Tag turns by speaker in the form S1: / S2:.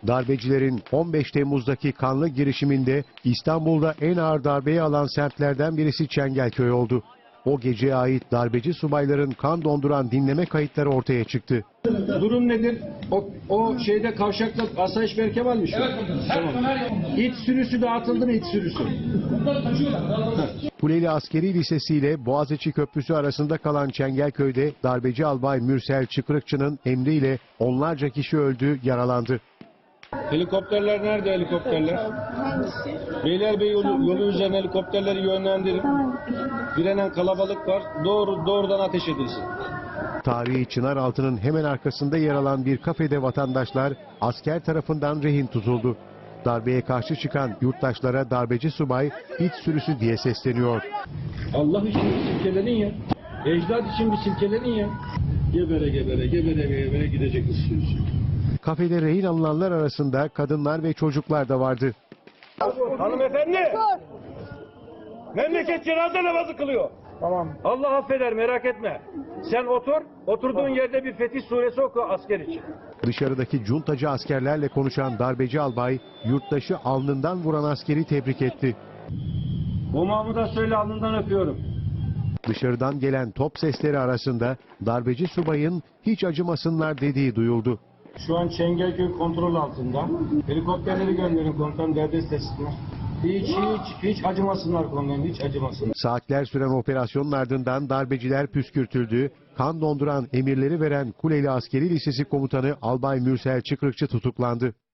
S1: Darbecilerin 15 Temmuz'daki kanlı girişiminde İstanbul'da en ağır darbeyi alan semtlerden birisi Çengelköy oldu. O geceye ait darbeci subayların kan donduran dinleme kayıtları ortaya çıktı.
S2: Durum nedir? O şeyde kavşakta asayiş Berkemal mi şu?
S3: Evet,
S2: tamam. İç sürüsü dağıtıldı mı iç sürüsü?
S1: Kuleli Askeri Lisesi ile Boğaziçi Köprüsü arasında kalan Çengelköy'de darbeci albay Mürsel Çıkrıkçı'nın emriyle onlarca kişi öldü, yaralandı.
S2: Helikopterler nerede helikopterler? Beylerbeyi yolu üzerine helikopterleri yönlendirin. Direnen kalabalık var. Doğrudan ateş edilsin.
S1: Tarihi Çınaraltı'nın hemen arkasında yer alan bir kafede vatandaşlar asker tarafından rehin tutuldu. Darbeye karşı çıkan yurttaşlara darbeci subay iç sürüsü diye sesleniyor.
S2: Allah için bir silkelenin ya. Ecdat için bir silkelenin ya. Gebere gidecek istiyorsun.
S1: Kafede rehin alınanlar arasında kadınlar ve çocuklar da vardı.
S4: Hanımefendi! Memleket cenaze namazı kılıyor.
S2: Tamam.
S4: Allah affeder, merak etme. Sen otur, oturduğun yerde bir Fetih suresi oku asker için.
S1: Dışarıdaki cuntacı askerlerle konuşan darbeci albay yurttaşı alnından vuran askeri tebrik etti.
S2: O Mahmud'a söyle alnından öpüyorum.
S1: Dışarıdan gelen top sesleri arasında darbeci subayın hiç acımasınlar dediği duyuldu.
S2: Şu an Çengelköy kontrol altında. Helikopterleri gönderin komutan derdest etsinler. Hiç acımasınlar komutanım, hiç acımasınlar.
S1: Saatler süren operasyonun ardından darbeciler püskürtüldü. Kan donduran emirleri veren Kuleli Askeri Lisesi Komutanı Albay Mürsel Çıkrıkçı tutuklandı.